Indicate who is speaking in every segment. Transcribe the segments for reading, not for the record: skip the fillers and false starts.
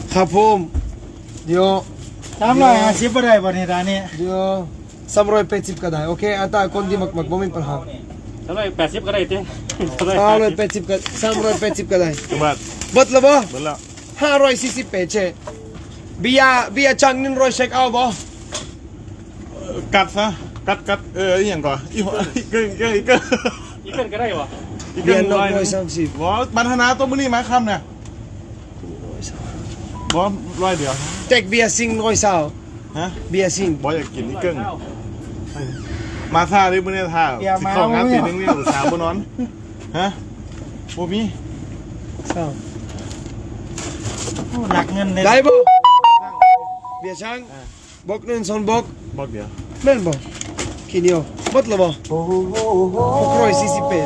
Speaker 1: ครับผมเดี๋ยว
Speaker 2: 350บ่ได้บ่นี่ร้านนี้
Speaker 1: เดี๋ยว380ก็ได้โอเคอัตราคนที่มักบ่มีปัญหา
Speaker 3: 380ก็ได้เจ้
Speaker 1: 380ก็380ก็ได้
Speaker 3: บัด
Speaker 1: เบิดแล้วบ่
Speaker 3: เบิดแล้ว
Speaker 1: 548เช่เบียร์จัง100เช็คเอาบ่
Speaker 3: กัดซะกัดอีหยังก่อนอีเกินก็ได้บ่
Speaker 1: เบียร์130
Speaker 3: บ่บรรณาตัวมื้อนี้มาค่ำเนี่ยบ่100เดียว
Speaker 1: เต็กเบียร์ซิง120
Speaker 3: ฮะ
Speaker 1: เบียร์ซิง
Speaker 3: บ่อยากกินอีเกิ้งมาท่าดิมื้อนี้ท่าสิเข้างานตีนึงนี่อุตส่าห์บ่นอนฮะบ่มี
Speaker 2: หนักเงินเลย
Speaker 1: ได้บ่เบียร์ช่างบอก1 2บอก
Speaker 3: เดียว
Speaker 1: แม่นบ่ขี้เหนียวหมดแล้วบ่648
Speaker 3: 8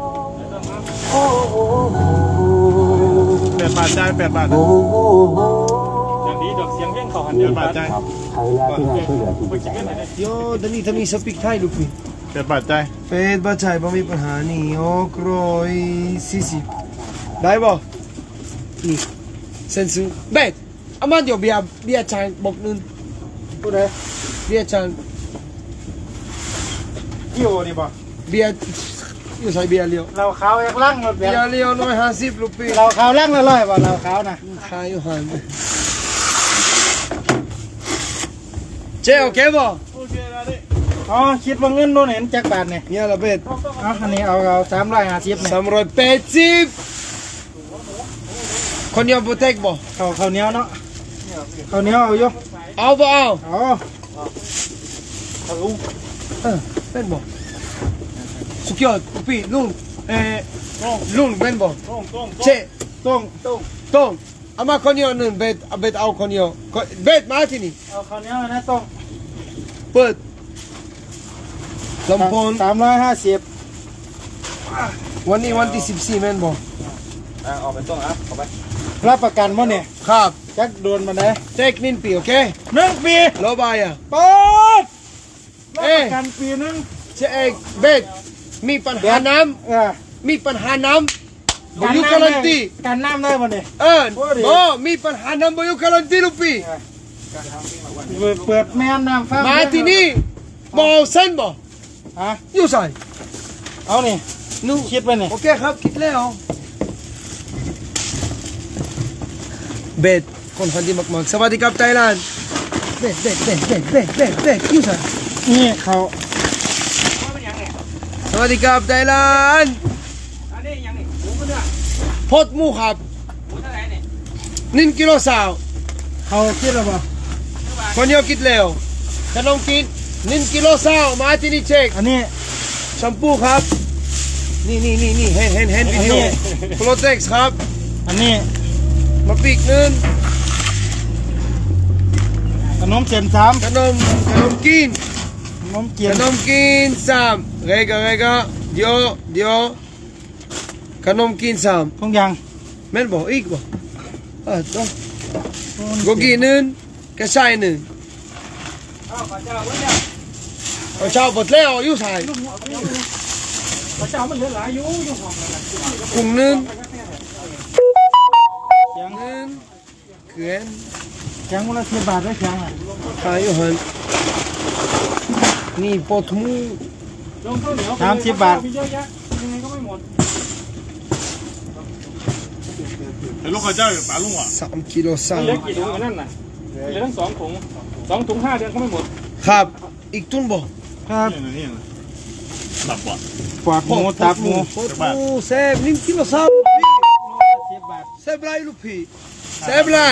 Speaker 3: บาทจ่าย8 บาท
Speaker 4: อย่างนี้ดอกเสียงเพ่งเขาหันเดียว
Speaker 3: 8 บาทจ่าย
Speaker 1: โยตอนนี้ถ้ามีสปีกไทยลูกพี่
Speaker 3: 8 บาทจ่าย
Speaker 1: 8 บาทจ่ายบ่มีปัญหานี่640ได้บ่นี่เซนซูเบ็ดอามาเดี๋ยวเบียร์ช่างบอก1ผู้ใดเบียร์ช่าง
Speaker 2: อยู่นี่บ่
Speaker 1: เบียร์อยู่ใส่เบียร์เลี้ยว
Speaker 2: เราขาวลังรถ
Speaker 1: เบียร์เลี้ยว150ลูกพี่
Speaker 2: เราขาวลังละ100บ่เราขาวนะ
Speaker 1: ขายอยู่หันเจ๊โอเคบ่
Speaker 3: โอเคแล้วดิ
Speaker 2: อ๋อคิดว่าเงินโน่นเห็นจักบาทนี่
Speaker 1: เนี่ยละเบ็ด
Speaker 2: อันนี้เอา350นี่
Speaker 1: 380คนเดียวบ่เทคบ่
Speaker 2: ข้าวเหนียวเนาะข้าวเหนียวเอาอยู่
Speaker 1: เอาบ่เอา
Speaker 2: ลุง
Speaker 1: เป็นบ่สุดยอดพี่ลุงลุงเป็นบ่เจ๊ต้องเอามาคนเดียวนึงเบ็ดเอาคนเดียวเบ็ดมาที่นี่
Speaker 2: เอาข้าวเหนียวนะต้อง
Speaker 1: เปิดลำโพง
Speaker 2: 350
Speaker 1: วันนี้วันที่14แม่นบ่
Speaker 4: เอาไปต้องครับเอาไป
Speaker 2: รับประกันบ่เนี่ย
Speaker 1: ครับ
Speaker 2: จักโดนมาได้
Speaker 1: เทคนินปีโอเค
Speaker 2: 1 ปี
Speaker 1: โลบายอ่ะ
Speaker 2: เปิดรับประกันปีนึง
Speaker 1: เจ๊เบ็ดมีปัญหาน้ำมีปัญหาน้ำบ่อยู่การันตี
Speaker 2: กันน้ำได้บ่เนี่ย
Speaker 1: บ่มีปัญหาน้ำบ่อยู่การันตีลูกพี่
Speaker 2: เปิดแม่น้ำฟ้า
Speaker 1: มาที่นี่บ่เส้นบ่
Speaker 2: ฮะ
Speaker 1: อยู่ใส่
Speaker 2: เอานี่นูคิดไปนี่
Speaker 1: โอเคครับคิดแล้วเบ็ดคนพันธุ์มากๆสวัสดีครับไทยแลนด์เบ็ดอยู่ใส่
Speaker 2: นี่เขา
Speaker 1: สวัสดีครับไทยแลนด์
Speaker 4: อันนี้ยังนี่หมูก็เนื้อ
Speaker 1: พดหมูครับ
Speaker 4: หมูเท่าไหร่นี่
Speaker 1: 1 กิโลสาว
Speaker 2: เขาคิดแล้วบ่
Speaker 1: คนเดียวคิดแล้วขนมกิน1 กิโลสาวมาที่นี่เช็ค
Speaker 2: อันนี้
Speaker 1: แชมพูครับนี่เห็นวิดีโอโปรเทคครับ
Speaker 2: อันนี้
Speaker 1: มาปีกนึง
Speaker 2: ขนมเส้น3
Speaker 1: ขนมกิน
Speaker 2: ขนมกิน
Speaker 1: 3เรกะเดี๋ยวขนมกิน3
Speaker 2: ทุกอย่าง
Speaker 1: แม่นบ่อีกบ่ต้องโกกีนึงกระชายนึงเอาเจ้าบดแล้วอยู่ใส่
Speaker 4: เจ้ามันเหลือหลายอยู่ห้อง
Speaker 1: กุ้งนึงเขื่อน
Speaker 2: ยังวันละ10 บาทได้ยัง
Speaker 1: ขายอยู่หันนี่ปอดหมู
Speaker 2: 30 บาท
Speaker 4: ยังไงก็ไม่หมด
Speaker 3: ลูกข้าวเจ้าปลาลุงอ่ะ
Speaker 1: 3 กิโลสาว
Speaker 4: เหลือกี่ถุงนั่นน่ะเหลือทั้ง2 ถุง2 ถุง5 เดือนก็ไม่หมด
Speaker 1: ครับอีกตุนบ่
Speaker 2: ครับ
Speaker 3: นี่ตับบ่
Speaker 2: ปอดหมูตับหมู
Speaker 1: แซ่บ1 กิโลสาว
Speaker 2: 10 บาท
Speaker 1: แซ่บไรลูกพี่แซ่บไร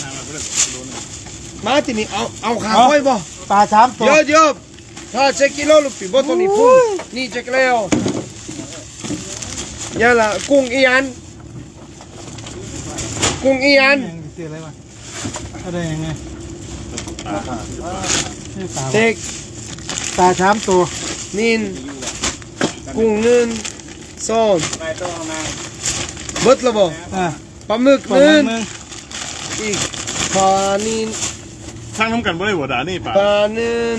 Speaker 1: มาที่นี่เอาขาค่อยบ่
Speaker 2: ปลา3 ตัว
Speaker 1: เยอะถ้า7 กิโลลูกพี่บ่ตัวนี้พุ่งนี่เจ๊กแล้วอย่าละกุ้งอีอัน
Speaker 2: ซื้ออะไรวะอะไรยังไง
Speaker 1: เจ๊ก
Speaker 2: ปลา3 ตัว
Speaker 1: นินกุ้งนึงส้มเบิดละบ่ปลาหมึกนึงอีกปลานิน
Speaker 3: สร้างน้ำกันบ่ได้บ่ด่านี่
Speaker 1: ปลานึง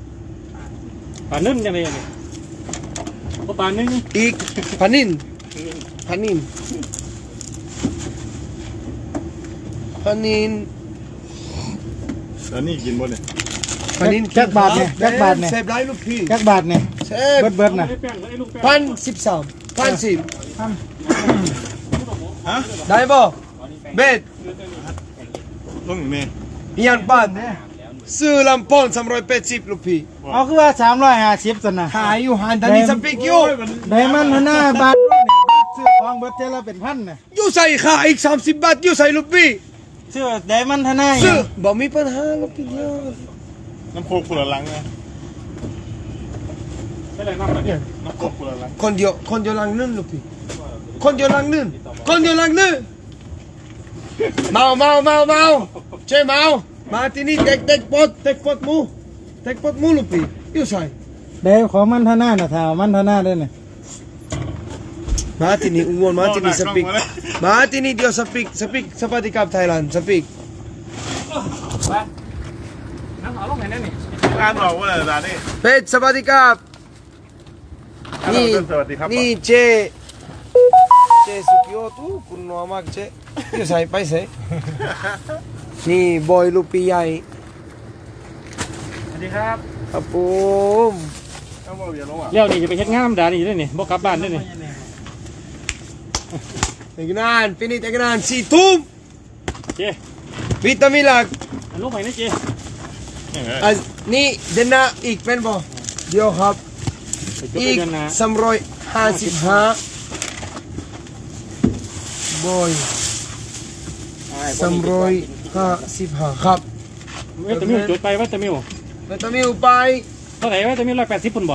Speaker 4: จังเลยนี่ปลานึ่ง
Speaker 1: อีกปลานินปลานิน
Speaker 3: แล้วนี่กินบ่เนี่ย
Speaker 1: ปลานิน
Speaker 2: จักบาทเนี่ยจักบาทเนี่ย
Speaker 1: เซฟไรลูกพี่
Speaker 2: จักบาทเนี่ย
Speaker 1: เซฟ
Speaker 2: เบิดนะ
Speaker 4: ไอ้แป้งไอ้ลูกแป้ง
Speaker 1: 1,013 1,010
Speaker 3: ฮะ
Speaker 1: ได้บ่เบ็ด
Speaker 3: ลงอยู่นี่
Speaker 1: ยันปันซื้อลำโพง380ลูกพี่
Speaker 2: เอาคือว่า350ซั่นน่ะ
Speaker 1: ขายอยู่หันทันนี้สปิกอยู่
Speaker 2: ได้มันหน้าบาทด้วยนี่ซื้อของเบิดเท่าละเป็นพันน่ะ
Speaker 1: อยู่ใส่ขาอีก30 บาทอยู่ใส่ลูกพี่
Speaker 2: ซื้อได้มันหน้า
Speaker 1: ซื้อบ่มีปัญหาลูกพี่เดียว
Speaker 3: น้ำโคกคนละลังนะ
Speaker 4: ไม่เลยน้ำมันเนี่ย
Speaker 3: น้ำโคกคนละลัง
Speaker 1: คนเดียวลังนึงลูกพี่คนเดียวลังนึงเมาเช่เมามาที่นี่เด็กปดหมูลูกพี่อยู่ใส่
Speaker 2: ได้ของมันหน้าน่ะถ้าเอามันหน้าได้น่ะ
Speaker 1: มาที่นี่อ้วนมาที่นี่สปิกมาที่นี่เดียวสปิกสปาติกับไทยแลนด์สปิก
Speaker 4: น้ำเอาลงไหนนั่นนี่
Speaker 3: อ่านบอกว่าอะไรนี่
Speaker 1: เป็ดสปาติกับนี่
Speaker 3: สวัสดีครับ
Speaker 1: นี่เจสุกิโอตุคุณนัวมากเจอยู่ใส่ไปใส่นี่บอยลูกพี่ใหญ่
Speaker 4: สวัสดีครับ
Speaker 1: ครับผม
Speaker 3: ต้องบอกอย่าลงอ่ะ
Speaker 4: เลี้ยวนี่จะไปเฮ็ดงามดานี่ด้วยนี่บ่กลับบ้านด้วยนี่
Speaker 1: อีกนานฟินิชอีกนาน4 ทุ่ม
Speaker 4: เจ๊
Speaker 1: วิตามินหลัก
Speaker 4: อันลูกไหนนี่เจ๊
Speaker 1: อ่ะนี่เดนนาอีกเป็นบ่เดี๋ยวครับ
Speaker 4: ไปจบ
Speaker 1: อี
Speaker 4: ไป
Speaker 1: ก
Speaker 4: เดือนหน้า
Speaker 1: 355บอย355ครับ
Speaker 4: เวตามิวจดไปเวตามิว
Speaker 1: วิตามินไป
Speaker 4: เท่าไหร่เวตามิว180พุ่นบ่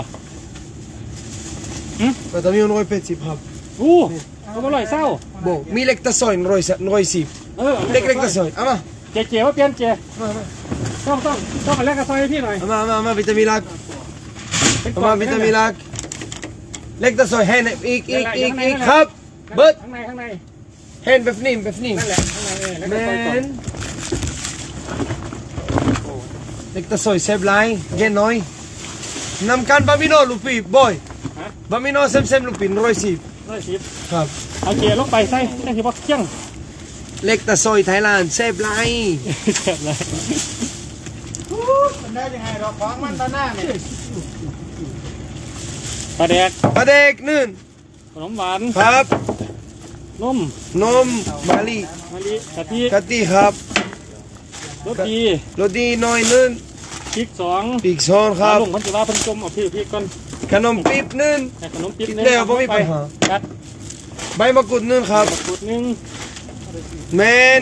Speaker 1: วิตามิน180ครับ
Speaker 4: อู้เอามา100เศร้า
Speaker 1: บ่มีเล็กตะซอย110
Speaker 4: เออ
Speaker 1: เล็กตะซอยเอามา
Speaker 4: เจ๊ว่าเปลี่ยนเจ๊
Speaker 1: มา
Speaker 4: ต้องมาแลกกับซอยให้พี่หน่อย
Speaker 1: มาวิตามินหลักเอามาวิตามินหลักเล็กตะซอยให้อีกครับเบิด
Speaker 4: ข้างใน
Speaker 1: เห็นแบบนี้
Speaker 4: นั่นแหละข้างในแล้ว
Speaker 1: แม
Speaker 4: ก็ซอยก่อน
Speaker 1: นเล็กตะซอยเซฟไลน์เย็นน้อยนำกันบะมิโนลูกพี่บอยบะมิโนเซมลูกพี่
Speaker 4: 110
Speaker 1: ครับ
Speaker 4: เอาเจ๊ลงไปใส่ได้สิบ่เที่ยง
Speaker 1: เล็กตะซอยไทยแลนด์เซฟไลน์
Speaker 4: เจ็บเลย
Speaker 2: มันได้ยังไงดอกของมันหน้าเนี่ย
Speaker 4: ปลาแดก
Speaker 1: ปลาเด็กนึ่น
Speaker 4: ขนมหวาน
Speaker 1: ครับ
Speaker 4: นม
Speaker 1: นมมาลี
Speaker 4: มะลิกะทิ
Speaker 1: กะทิครับ
Speaker 4: รสดี
Speaker 1: โรตีน้อยนึ่น
Speaker 4: พริก2
Speaker 1: ปีกซอนค
Speaker 4: ปลา
Speaker 1: รับ
Speaker 4: ลุงมันจะว่าเพิ่นจมเอาพี่ก่อน
Speaker 1: ขนมปี๊บนึ่น
Speaker 4: ให้ขนมปิ๊บ
Speaker 1: เดี๋ยวบ่มีปัญหา
Speaker 4: จัด
Speaker 1: ใบมะกรูดนึ่นครับ
Speaker 4: ขวดนึง
Speaker 1: แมน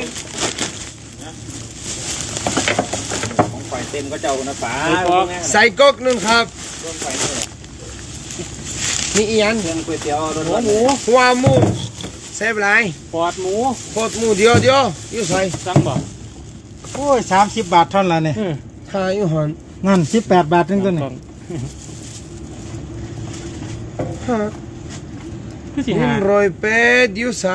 Speaker 5: ของฝ่ายเต็มก็เจ้านะป๋า
Speaker 1: ใส่ก๊อกนึ่นครับนี่อีอัน
Speaker 5: เครื่องก๋วยเตี๋ยวรถ
Speaker 4: หมู
Speaker 1: หัวหมูเซฟไลน์
Speaker 4: ปอดหมู
Speaker 1: โคตรหมูเดียวอยู่ใส่
Speaker 4: สั่งบ่
Speaker 2: โอ้ย30 บาทเท่านั้นละเนี่ย
Speaker 1: ทายอยู่หัน
Speaker 2: นั่น18 บาทนึงตัวนี้
Speaker 1: ฮะ
Speaker 4: คือสิหา
Speaker 1: 108อยู่ใส่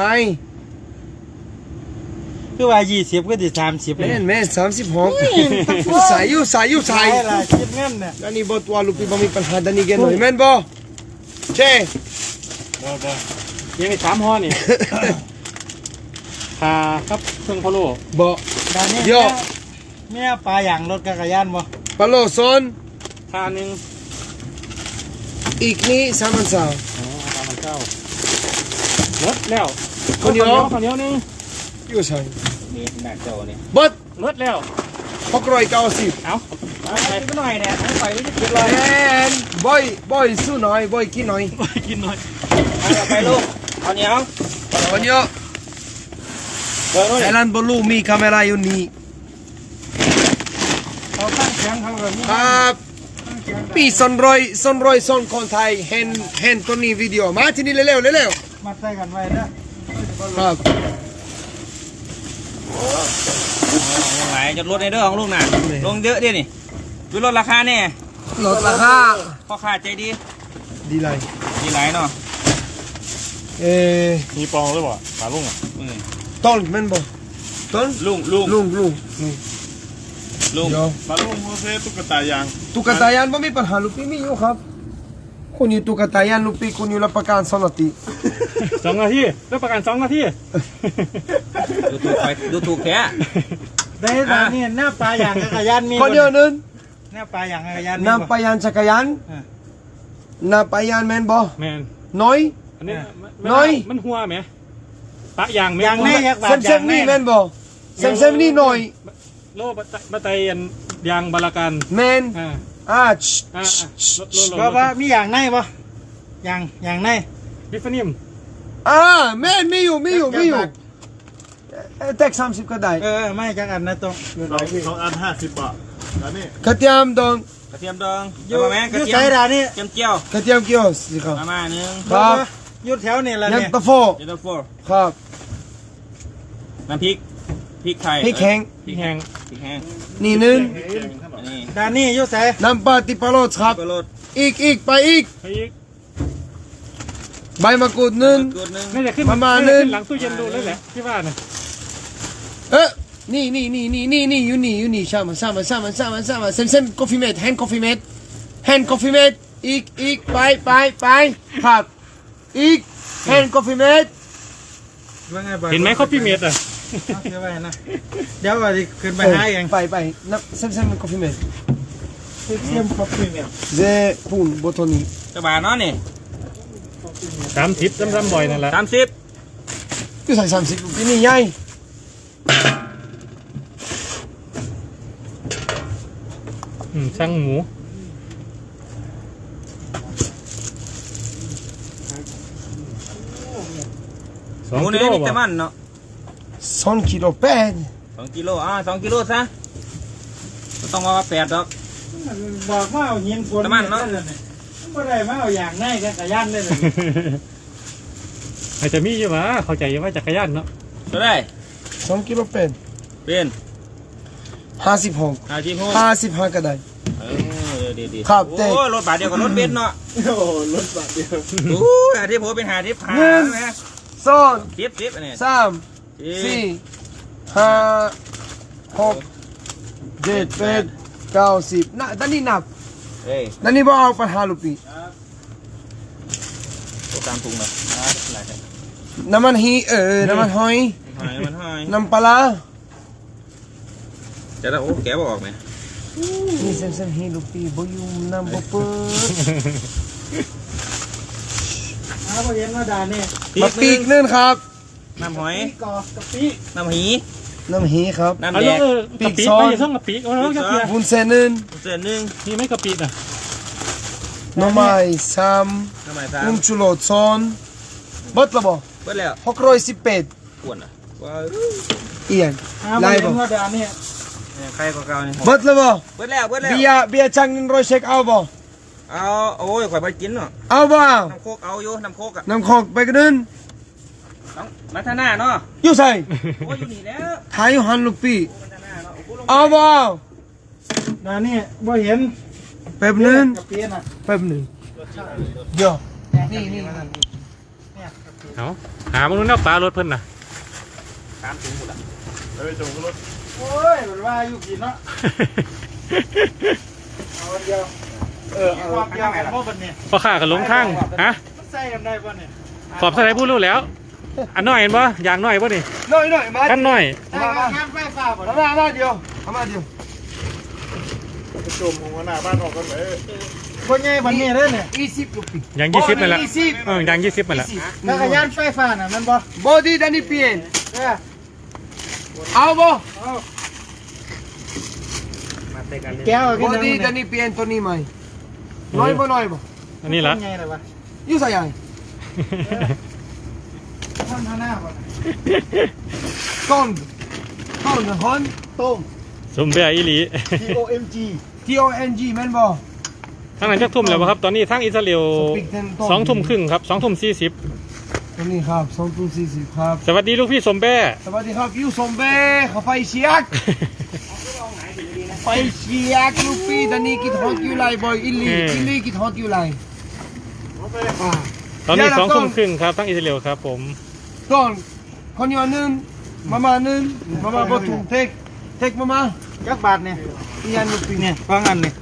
Speaker 2: คือว่า20ก็สิ30
Speaker 1: แม่น36อยู่ใส่
Speaker 2: ใช่ล่ะคิดเงินเนี่ย
Speaker 1: อันนี้บ่ตัวลูกพี่บ่มีปัญหาดันนี่เกนหน่อยแม่นบ่เช่
Speaker 3: บ่
Speaker 4: ยังมี3ห่อนี่ขาครับเครื่องพะโล้
Speaker 1: บ่
Speaker 2: ดานนี้
Speaker 1: เดี๋ยว
Speaker 2: เมียปลาอย่างรถจักรยานบ่
Speaker 1: ปลาโลซอน
Speaker 4: ขาหนึง
Speaker 1: อีกนี่3,300
Speaker 4: อ๋อตามมันเจ้าหมดแล้ว
Speaker 1: คนเดียว
Speaker 4: ข้าวเหนียวนึง
Speaker 1: อยู่ใส่
Speaker 5: มีหน้าเจ้าเนี่ย
Speaker 1: เบิด
Speaker 4: หมดแล้ว
Speaker 1: 690
Speaker 4: เอาไป
Speaker 5: ไปหน่อยเนี่ยทั้งไฟไม่ได้กิน
Speaker 1: แม่นบ่อยสู้หน่อยบ่อยกินหน่อย
Speaker 4: กินหน่อย
Speaker 5: เอาไปลูกเอาเหนียว
Speaker 1: คนเยอะ
Speaker 5: เดินนู่น
Speaker 1: ไทยแลนด์บ่รู้มีคาเมราอยู่นี่
Speaker 2: เขาตั้งแข็งเขาก็มี
Speaker 1: ครับปีสนรอยซอนคนไทยเห็นตัวนี้วิดีโอมาที่นี่เร็ว
Speaker 2: มัดใส่กันไว้นะ
Speaker 1: ครับ
Speaker 5: ลงไหลจะลดในเรื่องของลูกน่ะลงเยอะดินี่ดูลดราคาแน่
Speaker 1: ลดราคา
Speaker 5: พ่อค้าใจดี
Speaker 1: ดีไร
Speaker 5: ดีหลายเนาะ
Speaker 3: มีปองหรือเปล่าปลาลุงอ่ะ
Speaker 1: ต้นแม่นบ่ต้น
Speaker 5: ลุง
Speaker 1: ลุง
Speaker 5: ลุง
Speaker 1: เดี๋ยว
Speaker 3: ปลาลุงโมเสสตุ๊กตายาง
Speaker 1: ตุ๊กตายันบ่มีปัญหาลูกพี่มีอยู่ครับคุณอยู่ตุ๊กตายันลูกพี่คุณอยู่รับประกัน2 นาที
Speaker 4: 2 นาทีรับประกัน2 นาที
Speaker 5: ดูถูกแท้
Speaker 2: ได้ตอนนี้หน้าปลาอย่างจักรยานมี
Speaker 1: คนเดียวนึง
Speaker 2: หน้าปลาอย่างจักรยาน
Speaker 1: นำไปยันจักรยานนำไปยันแมนบอ
Speaker 4: แมน
Speaker 1: น้อย
Speaker 4: อันนี้
Speaker 1: น้อย
Speaker 4: มันหัวไหมปะยางไหม
Speaker 2: อย่างแน่ยักษ์บา
Speaker 1: เซมนี่แมนบอเซมนี่หน่อย
Speaker 4: โลบัตไตอันยางบาลากัน
Speaker 1: แมน
Speaker 4: อ่า
Speaker 1: อ่า
Speaker 4: โล
Speaker 2: ว่ามีอย่างในปะอย่างใน
Speaker 4: บิฟนิม
Speaker 1: แมนมีอยู่แท็ก30ก็ได้
Speaker 2: ไม่จักอันนะตรง
Speaker 3: 2 อัน 50 บาทแล้วนี่
Speaker 1: กระเทียมดอง
Speaker 5: กระเทียมดองเอามาแม่กระเทีย
Speaker 2: ใช้
Speaker 5: ม
Speaker 2: ดานี่
Speaker 5: เจียมเจียว
Speaker 1: กระเทียมเกี่ยวสิครับ
Speaker 5: มาหนึ่ง
Speaker 1: ครับ
Speaker 2: ยุดแถวนี่แหละ
Speaker 1: ยัน
Speaker 2: เนี่ย
Speaker 1: ตะโฟ
Speaker 5: เจนโฟ
Speaker 1: ครับ
Speaker 5: น้ำพริกไทย
Speaker 1: พริกแห้ง
Speaker 4: พริกแห้ง
Speaker 5: พริกแห้ง
Speaker 1: นี่หนึง
Speaker 5: อันนี้
Speaker 2: ดานี่ยุดใส่
Speaker 1: น้ำปลาติปลาโรสครับ
Speaker 5: ปลาโรด
Speaker 1: อีกไปอีก
Speaker 4: ไปอีก
Speaker 1: ใบมะกรูดหนึง
Speaker 5: กดหนึ่ง
Speaker 4: น่าจะขึ้น
Speaker 1: ประมาณ
Speaker 4: น่
Speaker 1: นึ
Speaker 4: จะ
Speaker 1: ง
Speaker 4: ขึ้นหลังตู้เย็นดูเลยแหละที่ว่าน่ะ
Speaker 1: นี่อยู่นี่ชามาเซม coffee mate hand coffee mate อีกไปครับอีก hand coffee mate
Speaker 2: ว่าไง
Speaker 4: เห็นไหมเขาพี่เมดอ่ะ
Speaker 2: เดี๋ยวไปนะเดี๋ยวว่าขึ้นไปหาเอง
Speaker 1: ไปนับเซม coffee mate
Speaker 2: เสียมคอฟฟี่เนี่ย
Speaker 1: เจปุ่นบทนี้
Speaker 5: จะบาทเนาะนี่
Speaker 4: 30ซ้ำๆบ่อยนั่นแหละ
Speaker 5: 30
Speaker 1: ก็ใส่30ลูกนี่ใหญ่
Speaker 4: ช่างหมู
Speaker 5: หมูนี่มีแต่มันเนาะ
Speaker 1: 2 กิโลแปด
Speaker 5: 2 กิโล2 กิโลซะต้องว่า8ดอก
Speaker 2: บอกว่าเอาหินฝน
Speaker 5: น้ำมันเนาะ
Speaker 2: ไม่ได้มาเอาอย่างในจักรยานเลย
Speaker 4: อาจจะมีอยู่วะเข้าใจว่าจักรยานเนาะ
Speaker 5: จะได้
Speaker 1: 2 กิโลแปด
Speaker 5: เป็น
Speaker 1: 56 55ก็ได้
Speaker 5: ดี
Speaker 1: ครับ
Speaker 5: โอ้รถบาทเดียวกับรถเบนซ์เนาะ
Speaker 3: โอ้รถบาทเดียว
Speaker 5: โอ้ยที่ผมเป็น50
Speaker 1: หนึ่ง
Speaker 5: นะ
Speaker 1: สอง
Speaker 5: 10อันนี้
Speaker 1: 3 4 5 6 7 8 9 10นะด้านนี้นับ
Speaker 5: เฮ้ย
Speaker 1: ด้านนี้บ่เอาปัญหาลูกพี่
Speaker 5: ตัวตามถุงเนาะ
Speaker 1: น้ำมันน้ำมันหอย
Speaker 5: หายมันหาย
Speaker 1: น้ำปลา
Speaker 5: จะได้โอ้แกบอกออกไหม
Speaker 1: นี่เซมฮีลูกพี่บ่อยู่น้ำบ่เปิด
Speaker 2: เอาไปเย็นมาดานี่
Speaker 1: มาปีกนึงครับ
Speaker 5: น้ำหอย
Speaker 2: กอกะปิ
Speaker 5: น้ำหี
Speaker 1: น้ำฮีครับ
Speaker 5: น้ำ
Speaker 4: เอา
Speaker 5: แด
Speaker 4: ลู
Speaker 5: ง
Speaker 4: กกะปิไปอย่าส่งกะปิเอาแล้วจะเพีย
Speaker 1: วุ้นเส้นนึง
Speaker 5: เส้นหนึ่ง
Speaker 4: มีไหมกะปิอ่ะ
Speaker 1: หน่อไม้ซ้
Speaker 5: น้ำไม้
Speaker 1: ำ
Speaker 5: สาม
Speaker 1: ชุโรสซอนเบิดละบ่
Speaker 5: เบิดแล้ว
Speaker 1: 618
Speaker 5: ขวนอ่ะว้าว
Speaker 1: เอียน
Speaker 2: เอาไป
Speaker 1: ไล่
Speaker 2: เย็
Speaker 1: บ่
Speaker 2: นมาดานี่
Speaker 5: ใครก็เก่านี่
Speaker 1: เบิดละบ่
Speaker 5: เบิดแล้ว
Speaker 1: เบียร์จัง100เช็คเอาบ่
Speaker 5: เอาโอ้ยข่อยไปกินเนาะ
Speaker 1: เอาบ่เอา
Speaker 5: น้ำโคกเอาอยู่น้ำโคกอ่ะ
Speaker 1: น้ำคอกไปกันนึง
Speaker 5: ต้องมาท่าหน้าเนาะ
Speaker 1: อยู่ใส่
Speaker 5: โอ้ยอยู่นี่แล้ว
Speaker 1: ถ่ายอยู่หันลูกพี่
Speaker 5: มาท่าหน้าเนาะโอ้โหลง
Speaker 1: เอาบ่เอา
Speaker 2: ดานี่บ่เห็น
Speaker 1: แป๊บนึง
Speaker 2: กะปิน่ะ
Speaker 1: แป๊บนึงเดี๋ยว
Speaker 2: นี่
Speaker 4: เอาหามาลุ้นเอาปลารถเพิ่นน่ะ
Speaker 5: ตามถุงหมดอ่ะ
Speaker 3: เฮ้ยจงรถ
Speaker 2: โอ้ยมันว่าอยู่กินเนาะเอาเดียวความยาวของพวกมันเนี่ย
Speaker 4: พอข้ากันลงทางฮะ
Speaker 2: มันใส่กันได้ป่ะเนี่ย
Speaker 4: ขอบสไลด์พูดรู้แล้ว อันน้อยเห็นปะอย่างน้อยปะนี่
Speaker 1: น้อยมา
Speaker 4: กันน้อย
Speaker 2: ใส่กันงานไฟฟ้าป่ะ
Speaker 1: มาเดียวมาเดียว
Speaker 3: ไปจมของหัวหน้าบ้านออกกันเลย
Speaker 2: คนใหญ่บันนี้เลยเนี่ย
Speaker 1: 20ลูกพี่
Speaker 4: อย่าง20นั่นแหละอย่าง20นั่นแหละ
Speaker 2: จักรยานไฟฟ้าน่ะมันบ่
Speaker 1: บอดี้ดันนี่เปลี่ยน
Speaker 2: เออ
Speaker 1: เอาบ่
Speaker 2: เอา
Speaker 5: มาเตะกันเลย
Speaker 2: แก้ว
Speaker 1: บ
Speaker 2: กิน
Speaker 1: อ
Speaker 2: น้ำ
Speaker 1: ดี้
Speaker 2: เนี่
Speaker 1: ดันนี่เปลี่ยนตัวนี้ไหมน้อยบ่น้อยบ่
Speaker 4: อันนี้ละ
Speaker 2: คนใหญ่เลยวะ
Speaker 1: อยู่ใส่ยัง
Speaker 2: ทำหน้าป่ะ
Speaker 1: ต้นฮอนต้ม
Speaker 4: สมเบียอีหลี
Speaker 2: TOMG
Speaker 1: TONG แม่นบ่
Speaker 4: ทางนั้นจักทุ่มแล้วบ่ครับ ตอนนี้ทางอิสราเอล
Speaker 1: สปิกเทนต้ม
Speaker 4: 2 ทุ่มครึ่งครับ2 ทุ่ม
Speaker 1: ตัวนี้ครับ2:40ครับ
Speaker 4: 40สวัสดีลูกพี่สมแบ้
Speaker 1: สวัสดีครับยูสมเบ้เขาไฟเชียกไฟเชียกลูกพี่ตอนนี้กินฮอตอยู่ไรบ่อยอิลี่กินฮอตอยู่ไร
Speaker 4: ตอนนี้2 ทุ่มครึ่งครับทางอิสราเอลครับผม
Speaker 1: ต้นคนอยู่นึงมานึงมาบ่ถูกเทคมา
Speaker 2: จักบาทเนี่ย
Speaker 1: อีอันลูกพี่
Speaker 2: เนี่ยฟังอันนี่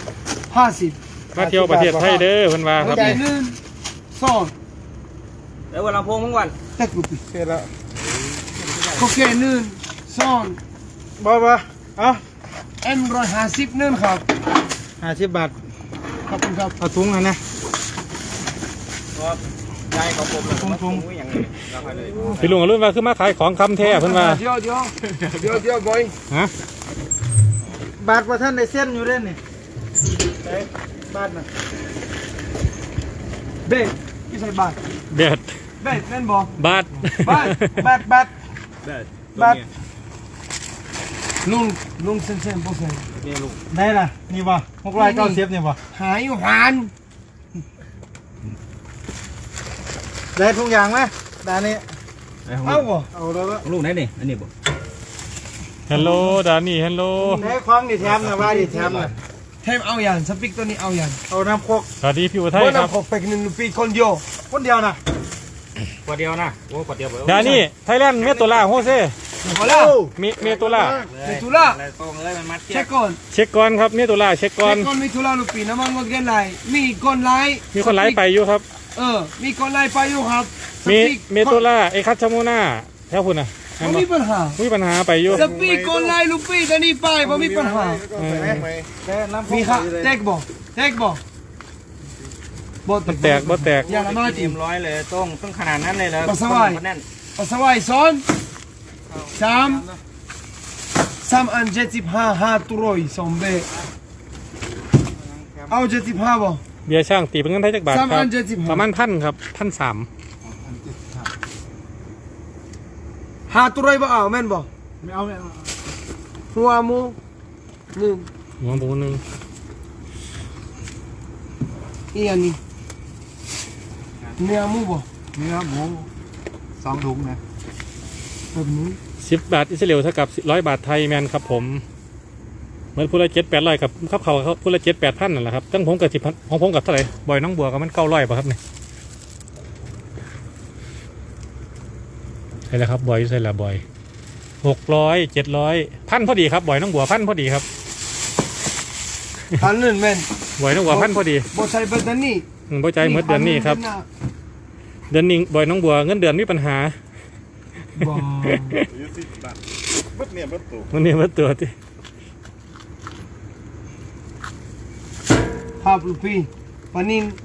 Speaker 1: 50
Speaker 4: มาเที่ยวประเทศไทยเด้อเพิ่นว่าครับ
Speaker 1: ใจนึงสอง
Speaker 5: แล้ววันลำโพงมึงก่อน
Speaker 1: เต็กลูกพี่
Speaker 3: เสร็จแล้ว
Speaker 1: โอเคนึ่งสอง
Speaker 2: บ่เอา
Speaker 1: M150นึ่งครับ
Speaker 2: 50 บาท
Speaker 1: ขอบคุณครับ
Speaker 2: เอาถุงอันนะ
Speaker 5: ครับยายของผมเลยผมอย่างนี้เราไปเลย
Speaker 4: พี่ลุงอรุ่นว่าคือมาขายของคำแท้เพิ่นว่า
Speaker 1: เดี๋ยวบอย
Speaker 4: ฮะ
Speaker 2: บาทว่าท่านได้เส้นอยู่เด้นี่ไอ้บาทน่ะ
Speaker 1: เบ็ดพี่ใส่บาท
Speaker 4: เด็ด
Speaker 1: เบ็ดแม่นบ่
Speaker 4: บาท
Speaker 1: บาทบาท
Speaker 5: บาท
Speaker 1: ลุงเส้นบ่ใส่
Speaker 5: นี่ลุง
Speaker 2: ได้ล่ะนี่บ่690นี่บ่
Speaker 1: หายหวาน
Speaker 2: ได้ทุกอย่างไหมด้านนี้
Speaker 1: เอาบ่
Speaker 2: เอาแล้วก็
Speaker 5: ลุงไหนนี่อันนี้บ่
Speaker 4: ฮัลโหลดานี่ฮัลโหล
Speaker 2: ได้ของดิแถมนะว่าดิแถมนะ
Speaker 1: เทมเอาอย่างสปิกตัวนี้เอาอย่าง
Speaker 2: เอาน้ำโคก
Speaker 4: สวัสดีพี่อุทัย
Speaker 1: บ่
Speaker 4: ครับ
Speaker 1: นำขอเป็กนึงลูกพี่คนเดียว
Speaker 2: คนเดียวนะ
Speaker 5: ขวดเดียวนะโอ้ขวดเดียว
Speaker 4: ดานี่ไทยแลนด์เมโตล่าโฮเซ่
Speaker 1: พอแล้ว
Speaker 4: เมโตล่า
Speaker 1: มีธุระ
Speaker 5: ตรงเลยมันมัด
Speaker 1: เช็คก่อน
Speaker 4: เช็คก่อนครับเมโตล่าเช็คก่อน
Speaker 1: มีธุระลูกพี่น้ำมันหมดกันไรมีคนไล่
Speaker 4: มีคนไลฟ์ไปอยู่ครับ
Speaker 1: มีคนไล่ไปอยู่ครับ
Speaker 4: มีเมโตล่าไอคัตชาโมนาแถวคุณนะ
Speaker 1: บ่มีปัญหา
Speaker 4: มีปัญหาไปอยู่
Speaker 1: สปีกคนไล่ลูกพี่ตอนนี้ไปบ่มีปัญหา
Speaker 2: แค่น้ำโค
Speaker 1: มี
Speaker 2: ก
Speaker 1: ค่ะ
Speaker 2: เลย
Speaker 1: แตกบ่บ่
Speaker 4: แตกบ่แตก
Speaker 1: อย่าละมา
Speaker 5: เต็
Speaker 1: จิ
Speaker 5: มร้อยเลยต้องขนาดนั้นเลยเหรอแน่น
Speaker 1: ปัสสาวะซ้อน3อัน75 500 2เบเอา75บ่
Speaker 4: เบียร์ช่างตีเป็นเงินไทยจักบาทค
Speaker 1: 3
Speaker 4: รั
Speaker 1: อั
Speaker 4: บ
Speaker 1: น75
Speaker 4: ประมาณ1,000ครับ1,300
Speaker 1: 500บ่เอาแม่นบ่
Speaker 2: ไม่เอาไม่เอา
Speaker 1: หัวหมู1
Speaker 4: หัวหมูหนึง
Speaker 1: อีอันนี้เนื้อหมูบ่
Speaker 2: เนื้อหมู2 ถุงนะ
Speaker 1: แบบนี้
Speaker 4: 10 บาทอิสราเอลเท่ากับ100 บาทไทยแมนครับผมเหมือนพูละ7-800กับครับเขาพูละ7-8,000นั่นแหละครับตั้งผมกับ10,000ของผมกับเท่าไหร่บ่อยน้องบัวก็มัน900ป่ะครับเนี่ยใช่แล้วครับบ่อยใช่แล้วบ่อย600 700 1,000พอดีครับบ่อยน้องบัว1,000พอดีครับ
Speaker 1: อันนั้นแม่น
Speaker 4: บ่อยน้องบัว1,000พอดี
Speaker 1: บ่ใช่เบิดอันนี้
Speaker 4: บ่ใจเหมือนเดือนนี้ครับเดือนนี้บ่อยน้องบัวเงินเดือนมีปัญหา
Speaker 1: บ่
Speaker 3: อยู่10 บาทบัดเนี่ยบัดตู่
Speaker 4: วันนี้มาตรวจที่
Speaker 1: ภาพลูกพี่ปานิน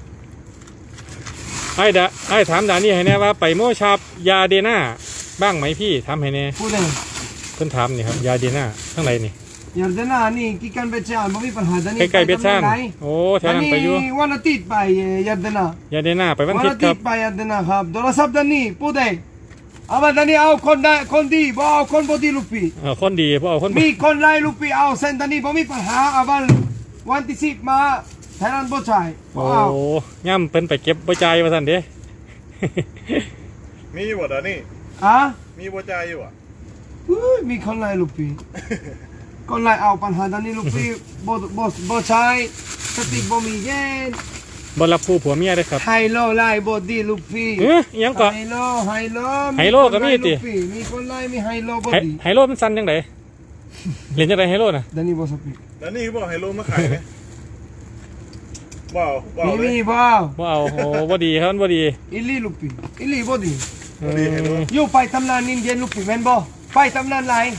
Speaker 4: ไอ้ถามดานี่ให้แน่ว่าไปโมชาบยาเดน่าบ้างไหมพี่ถามให้แน่
Speaker 1: พูดเลย
Speaker 4: เพิ่นถามนี่ครับยาเดน่าข้างในนี่
Speaker 1: ยาร์ดนานี่กิกันเบชานบ่มีปัญหาตอนนี้
Speaker 4: ใกล้ๆเบชานโอ้แถวนั้นไปอยู่
Speaker 1: วันอาทิตย์ไปยาร์ดนาย
Speaker 4: าเดน่าไปวัน
Speaker 1: วัน
Speaker 4: อาทิต
Speaker 1: อา
Speaker 4: ย์ค
Speaker 1: ทิ
Speaker 4: รั
Speaker 1: ต
Speaker 4: บ
Speaker 1: ย์ไปยาร์ดนาครับโทรศัพท์ตอนนี้พูดเลยเอามาตอนนี้เอาคนได้คนดีบ่เอาคนบ่ดีลูกพี่
Speaker 4: คนดีเพราะเอาคน
Speaker 1: มีคนไล่ลูกพี่เอาเส้นตอนนี้บ่มีปัญหาเอาวันที่10มาแทนนั้นบ่ใช่บ่
Speaker 4: โอ้
Speaker 1: เอา
Speaker 4: ย่ำเพิ่นไปเก็บบ่จ่ายว่าซั่นเด้
Speaker 3: มีอยู่บ่ดานี่
Speaker 1: อ่ะ
Speaker 3: มีบ่จ่ายอยู่อ่ะ
Speaker 1: มีคนไล่ลูกพี่คนไล่เอาปัญหาตอนนี้ลูกพี่บ่ใช่สติบ่มีเย็น
Speaker 4: บ่รับผู้ผัวเมียเด้อครับ
Speaker 1: ไฮโลไล่บ่ดีลูกพี่
Speaker 4: อิหยังก็
Speaker 1: ไฮโล
Speaker 4: ไฮโลก็มีติ
Speaker 1: มีคนไล่มีไฮโลบ่
Speaker 4: ไฮ
Speaker 1: ดี
Speaker 4: ไฮโลมันสั่นจังไดเล่นจังไดไฮโลน่ะ
Speaker 1: ดานี่บ่สปิก
Speaker 3: แล้วนี่บอกให้ลงมาขายไหมบ่าวบ่าว
Speaker 1: มี
Speaker 3: เลย
Speaker 1: บ่
Speaker 4: บ่เอาโอ้บ่ดีครับมันบ่ดี
Speaker 1: อิลีลูกพี่อิลีบ่ดี
Speaker 3: ดีให้ลง
Speaker 1: อยู่ไปทำงานนินเดียนลูกพี่แม่นบ่ไปทำงานไล่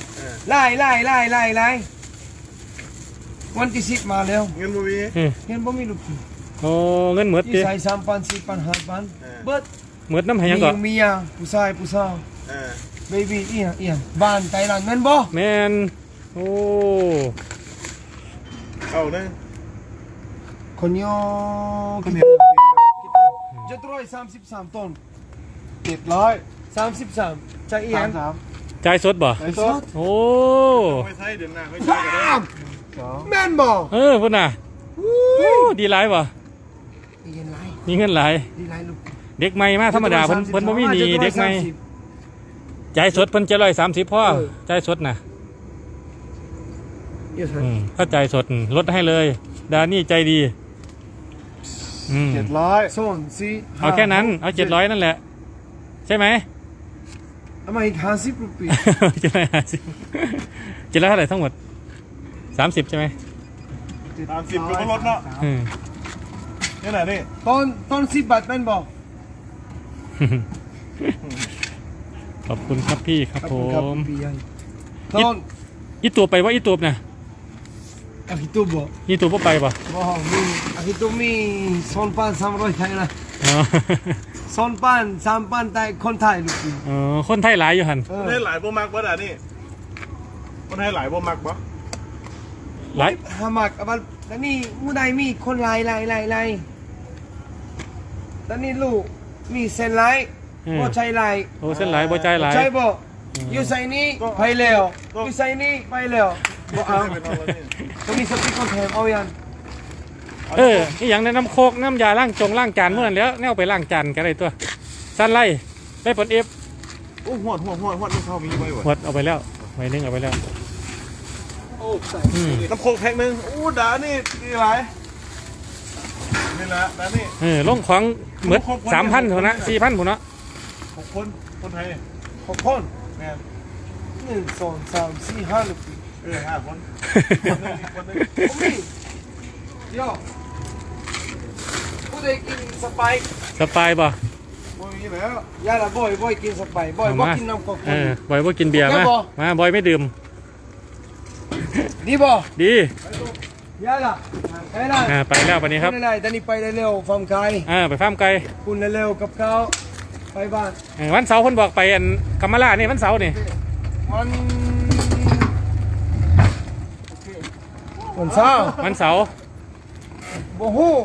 Speaker 1: วันที่10มาแล้ว
Speaker 3: เงินบ่มี
Speaker 1: เห็นบ่มีลูกพี่
Speaker 4: โอ้เงินหมด
Speaker 1: ที่
Speaker 4: ติ
Speaker 1: ใส่3,000 4,000 5,000เบิด
Speaker 4: หมดน้ำให้หยังก็
Speaker 1: เมียผู้ชาย
Speaker 3: เออ
Speaker 1: เบบี้อีหยังบ้านไต้หวันแม่นบ่
Speaker 4: แม่นโอ้
Speaker 3: เอานะ
Speaker 1: คนโย733ต้น733จะอีหยัง
Speaker 4: จ่ายสดบ่
Speaker 2: ไอ้สด
Speaker 4: โอ้
Speaker 3: ไม่ใช่เดือนหน้าค่อยจ่ายก็ได้
Speaker 1: แม่นบ่
Speaker 4: พุ่นน่ะโอ้ดีหลายบ่
Speaker 1: เย็นไร
Speaker 4: มีเงินหลาย
Speaker 1: ดีไรลูก
Speaker 4: เด็กใหม่มาธรรมดาเพิ่นบ่มีหนี้เด็กใหม่จ่ายสดเพิ่น730พ่อจ่ายสดน่ะ ถ้าจ่ายสดลดให้เลยดานี่ใจดี
Speaker 2: 700
Speaker 1: โซนสี่
Speaker 4: เอาแค่นั้นเอา700นั่นแหละใช่ไหม
Speaker 1: เอามาอีก50รูปี
Speaker 4: 750เท่าไหร่ทั้งหมด30ใช่ไหม
Speaker 3: 30ก็ลดเนาะนี่แหละนี่
Speaker 1: ตอน10 บาทแม่นบอก
Speaker 4: ขอบคุณครับพี่ครับผม
Speaker 1: พี่ใหญ่ต้น
Speaker 4: อีตัวไปว่าอีตัวนะ
Speaker 1: อาฮิตุบ่
Speaker 4: อีตัวบ่ไปป่ะ
Speaker 1: บ่มีอาฮิตุมี2,300ไทยละ
Speaker 4: อ๋อ
Speaker 1: 2,000 3,000ไทยคนไทยลูกพี่
Speaker 4: เออคนไทยหลายอยู่หัน
Speaker 3: คนให้หลายบ่มักบ่ด่านี่คนให้หลายบ่มักบ่
Speaker 4: หลาย
Speaker 1: ฮามักอันตอนนี้ผู้ใดมีคนหลายตอนนี้ลูกมีเส้นหลายบ่ใช่หลาย
Speaker 4: โอ้เส้นหลายบ่ใจหลาย
Speaker 1: ใช่บ่อยู่ใส่นี้ไปแล้วอยู่ใส่นี้ไปแล้วบ่เอา
Speaker 3: เป็นเอาแล้วนี่
Speaker 1: ตรงนี้สติ๊กคนแถมเอายัง
Speaker 4: เออนี่อย่างในน้ำโคกน้ำยาล้างจานเมื่อนั้นแล้วแนวไปล้างจานกันได้ตัวสั้นไล่ได้ผลเอฟ
Speaker 3: โอ้หวดไม่เข้ามีไว้บ่
Speaker 4: หมดเอาไปแล้วไว้นึงเอาไปแล้ว
Speaker 1: โอ้ใส่
Speaker 4: อืม
Speaker 3: น้ำโคกแพ็คนึงโอ้ด่านี่นี่หลายนี่ละด่านี่
Speaker 4: เออลงของเหมือน3,000คนนะ4,000คนเนาะ
Speaker 3: 6 คนไทย
Speaker 1: 6 คน
Speaker 3: แม่น
Speaker 1: 1 2 3 4 5ลูกพี่
Speaker 3: 5 คนคนนึง
Speaker 1: ผมมีเดี๋ยวผู้ใดกินสไปซ์
Speaker 4: สปายป่ะ
Speaker 3: บ่มีแล้ว
Speaker 1: ยาละบ่อยกินสไปซ์บ่อยบ่กินน้ำก๊อก
Speaker 4: เออบอยว่ากินเบียร์มามาบอยไม่ดื่ม
Speaker 1: ดีบ่
Speaker 4: ดี
Speaker 1: ยาละไปละ
Speaker 4: ไปแล้ววันนี้ครับ
Speaker 1: ณอะไรตอนนี้ไปเร็วๆฟาร์มไก่
Speaker 4: ไปฟาร์มไก่
Speaker 1: คุณเร็วๆกับเขาไปบ้าน
Speaker 4: วันเสาร์คนบอกไปอันกัมมาลานี่วันเสาร์นี่
Speaker 1: วันเสาร์
Speaker 4: วันเสาร์
Speaker 1: บ่ฮู้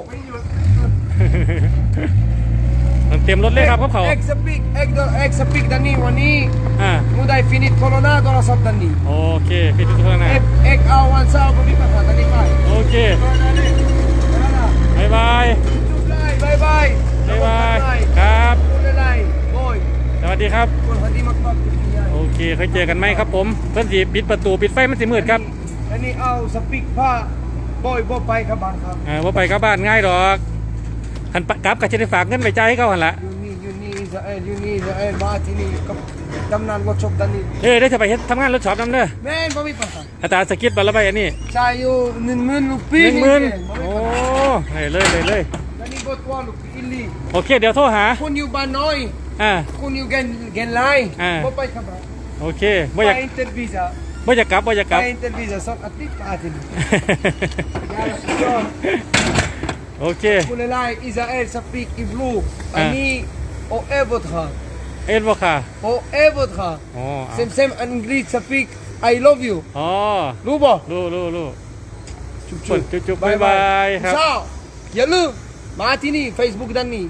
Speaker 4: เตรียมรถเลยครับเขา
Speaker 1: เอ็กซ์สปีกดันนี่วันนี้
Speaker 4: อ่า
Speaker 1: มูได้ฟินิชโคโรนาโทรศัพท์ดันนี่
Speaker 4: โอเคพี่ทุกคนนะ
Speaker 1: เอ็กเอาวันเสาร์ก็มีปัญหาดันนี่ไป
Speaker 4: โอเคบายบาย
Speaker 1: จุ๊บได้บายบาย
Speaker 4: บายบายครับ
Speaker 1: คุณอะไรโอ้ย
Speaker 4: สวัสดีครับ
Speaker 1: คุณพอดีมากๆคุณยาย
Speaker 4: โอเคเคยเจอกันไหมครับผมเพื่อนสีปิดประตูปิดไฟมันสีมืดครับ
Speaker 1: อันนี้เอาสปีกผ้าบ่อยบ่ไปครับบ้านครับ
Speaker 4: ว่าไปกับบ้านง่ายดอกหันกลับกับจะได้ฝากเงินไปจ่ายให้เขาหันละ
Speaker 1: อยู่นี่อิสราเอลมาที่นี่กับกำนันวัดชบดันนี่
Speaker 4: ได้จะไปเฮ็ดทำงานรถช็อปน้ำเด้อ
Speaker 1: แม่นบ่มีปัญหา
Speaker 4: อัตราสกิดบัลละใบอันนี้
Speaker 1: จ่ายอยู่10,000ลูกพี่
Speaker 4: 10,000โอ้เลย
Speaker 1: ดันนี่บ่ตัวลูกพี่อิลลี่
Speaker 4: โอเคเดี๋ยวโทรหา
Speaker 1: คุณอยู่บ้านน้อย
Speaker 4: อ่า
Speaker 1: คุณอยู่เกนไลน์บ่ไปครับ
Speaker 4: โอเค
Speaker 1: ไป
Speaker 4: บ่อยาก
Speaker 1: อินเตอร์วีซ่า
Speaker 4: บ่อยากกลับ
Speaker 1: ไปอินเตอร์วีซ่า2อาทิตย์อาทิตย์ยาละสุดยอด
Speaker 4: โอเค
Speaker 1: คุณอะไรอิสราเอลสปีกอีบลูอันนี้โอเอฟอทา
Speaker 4: เอ็ดบ่ค่ะ
Speaker 1: โอเอฟอทา
Speaker 4: อ๋อ
Speaker 1: เซมอังกฤษสปีก I love you
Speaker 4: อ๋อ
Speaker 1: รู้บ่
Speaker 4: รู้
Speaker 1: จุ๊บ
Speaker 4: จุ๊บบ๊ายบายครับ
Speaker 1: เช้าอย่าลืมมาที่นี่ Facebook ด้านนี้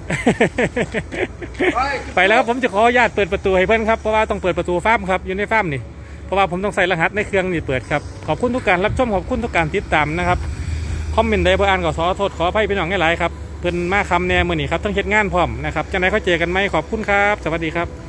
Speaker 4: ไปแล้วครับผมจะขออนุญาตเปิดประตูให้เพื่อนครับเพราะว่าต้องเปิดประตูฟาร์มครับอยู่ในฟาร์มนี่เพราะว่าผมต้องใส่รหัสในเครื่องนี่เปิดครับขอบคุณทุกการรับชมขอบคุณทุกการติดตามนะครับคอมเมนต์ใดบ่อ่านก็ขอโทษขออภัยพี่น้องหลายๆครับเพิ่นมาคำแนวมื้อนี้ครับต้องเฮ็ดงานพร้อมนะครับจังได๋เขาเจอกันไหมขอบคุณครับสวัสดีครับ